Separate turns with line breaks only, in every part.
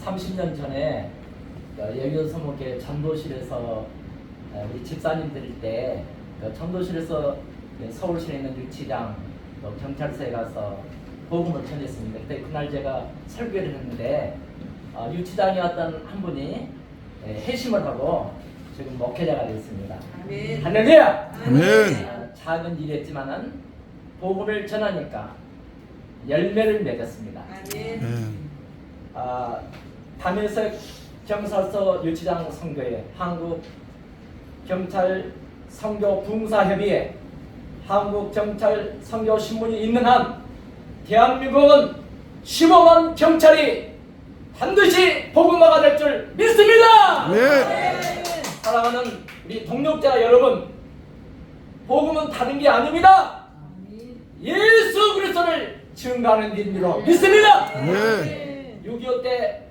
30년 전에 여의도 서목회 전도실에서 우리 집사님 드릴 때 전도실에서 서울시에 있는 유치장 또 경찰서에 가서 복음을 전했습니다. 그때 그날 제가 설교를 했는데 유치장에 왔던 한 분이 회심을 하고 지금 목회자가 됐습니다.
아멘.
할렐루야!
아멘.
작은 일이었지만은 복음을 전하니까 열매를 맺었습니다.
아멘.
담에서 경찰서 유치장 선거에 한국 경찰 선교 붕사협의회 한국 경찰 선교 신문이 있는 한 대한민국은 15만 경찰이 반드시 복음화가 될 줄 믿습니다.
네.
사랑하는 우리 동력자 여러분, 복음은 다른 게 아닙니다. 예수 그리스도를 증거하는 일로 믿습니다.
네.
6.25 때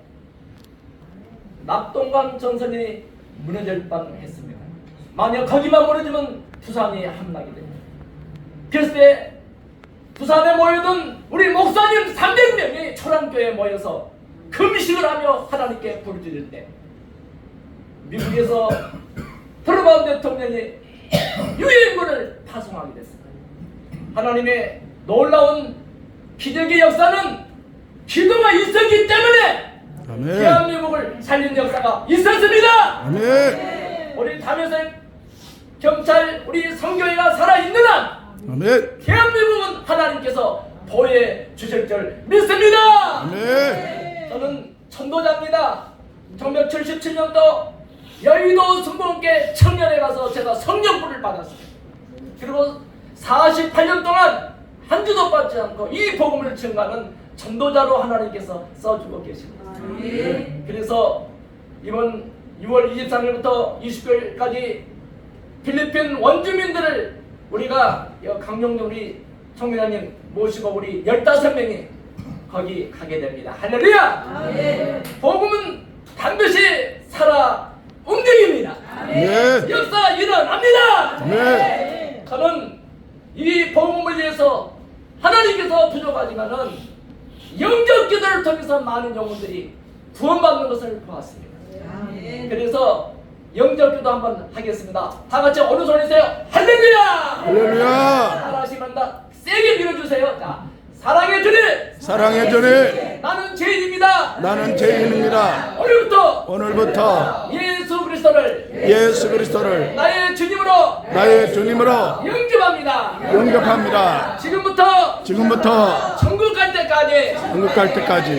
낙동강 전선이 무너질 뻔했습니다. 만약 거기만 무너지면 부산이 함락이 됩니다. 그래서 때 부산에 모여든 우리 목사님 300명이 초랑교회에 모여서 금식을 하며 하나님께 부르짖을 때 미국에서 트럼프 대통령이 유엔군을 파송하게 됐습니다. 하나님의 놀라운 기적의 역사는 기도가 있었기 때문에
아멘.
대한민국을 살린 역사가 있었습니다.
아멘.
우리 담에서 경찰 우리 성교회가 살아있는 한
아멘.
대한민국은 하나님께서 보호해 주실 줄 믿습니다.
아멘.
저는 전도자입니다. 1977년도 여의도 순복음교회 청년에 가서 제가 성령불을 받았습니다. 그리고 48년 동안 한 주도 받지 않고 이 복음을 증가하는 전도자로 하나님께서 써주고 계십니다. 그래서 이번 6월 23일부터 20일까지 필리핀 원주민들을 우리가 강용동 우리 총회장님 모시고 우리 15명이 거기 가게 됩니다. 할렐루야! 복음은 반드시 살아 움직입니다.
네.
역사 일어납니다.
네.
저는 이 복음을 위해서 하나님께서 부족하지만은 영적 기도를 통해서 많은 영혼들이 구원받는 것을 보았습니다. 그래서 영적 기도 한번 하겠습니다. 다 같이 어느 손이세요? 할렐루야!
할렐루야.
따라하시면 다 세게 밀어주세요. 자, 사랑의 주님,
사랑의 주님,
나는 죄인입니다.
나는 죄인입니다.
오늘부터
예수 그리스도를
나의 주님으로
나의 주님으로
영접합니다.
영접합니다.
지금부터 천국 갈 때까지
한국 갈 때까지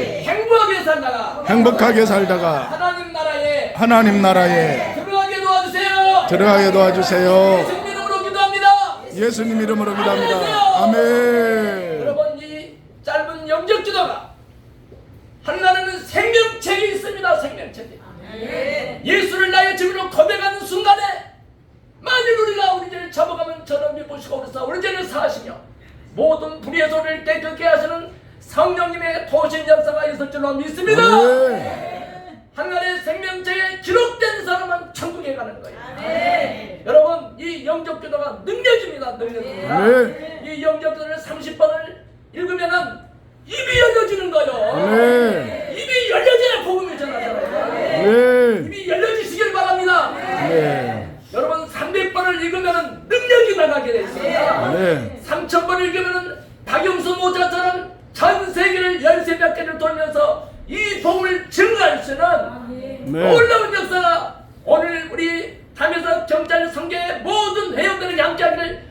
행복하게 살다가
행복하게 살다가
하나님 나라에
하나님 나라에
들어가게 도와주세요.
들어가게 도와주세요.
예수님 이름으로 기도합니다.
예수님 이름으로 기도합니다. 아멘.
여러분, 이 짧은 영적 기도가 하나님은 생명책이 있습니다. 생명책. 예수를 나의 주님으로 고백하는 순간에 만일 우리가 우리 죄를 잡아가면 저는 믿으시고 그래서 우리 죄를 사하시며 모든 불의의 소리를 깨끗게 하시는 성령님의 도신 역사가 있을 줄로 믿습니다. 하나님의 생명책에 기록된 사람은 천국에 가는 거예요. 여러분, 이 영적 기도가 능력입니다. 능력입니다. 이 영적 기도를 30번을 읽으면은 입이 열려지는 거예요. 입이 열려져야 복음이 전하잖아요. 입이 열려지시길 바랍니다. 여러분, 300번을 읽으면은 능력이 나가게 되어 있습니다. 3000번 읽으면은 박영수 모자처럼 전 세계를 13몇 개를 돌면서 이 복음을 증거할 수 있는 놀라운 역사가 오늘 우리 담에서 경찰 성교의 모든 회원들에게 함께하기를